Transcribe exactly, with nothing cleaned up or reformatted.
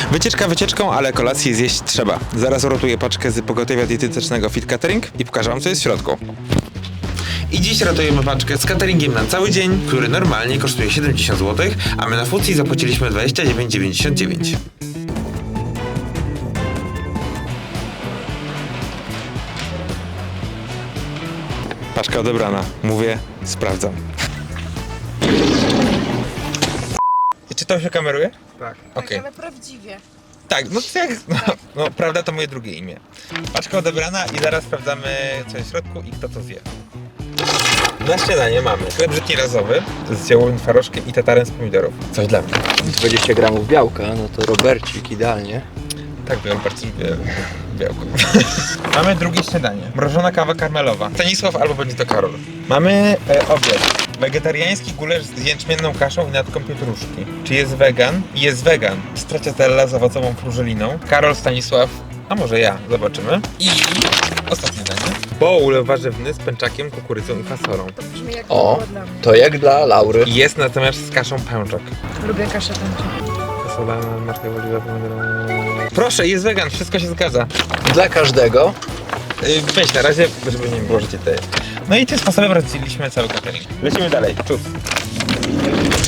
Wycieczka wycieczką, ale kolację zjeść trzeba. Zaraz urotuję paczkę z pogotowia dietetycznego Fit Catering i pokażę wam, co jest w środku. I dziś ratujemy paczkę z cateringiem na cały dzień, który normalnie kosztuje siedemdziesiąt złotych, a my na Fucji zapłaciliśmy dwadzieścia dziewięć dziewięćdziesiąt dziewięć. Paczka odebrana. Mówię, sprawdzam. Czy to się kameruje? Tak. Okej. Ale prawdziwie. Tak, no to jak, no, no prawda to moje drugie imię. Paczka odebrana i zaraz sprawdzamy, co jest w środku i kto to zje. Na śniadanie mamy chleb żytni razowy z ziołowym twarożkiem i tatarem z pomidorów. Coś dla mnie. dwadzieścia gramów białka, no to Robercik idealnie. Tak, biorę bardzo lubię białko. Mamy drugie śniadanie. Mrożona kawa karmelowa. Stanisław albo będzie to Karol. Mamy e, obiad. Wegetariański gulasz z jęczmienną kaszą i natką pietruszki. Czy jest wegan? Jest wegan. Stracciatella z owocową frużeliną. Karol, Stanisław, a może ja. Zobaczymy. I ostatnie danie. Bowl warzywny z pęczakiem, kukurydzą i fasolą. To brzmi jak O. było dla mnie. To jak dla Laury. Jest natomiast z kaszą pęczak. Lubię kaszę tęczą. Fasola, marchewia, oliwa, pomidorowa. Proszę, jest wegan, wszystko się zgadza. Dla każdego. Yy, weź na razie, żeby nie było, że cię te... No i tym sposobem rozdzieliliśmy cały catering. Lecimy dalej. Czuć.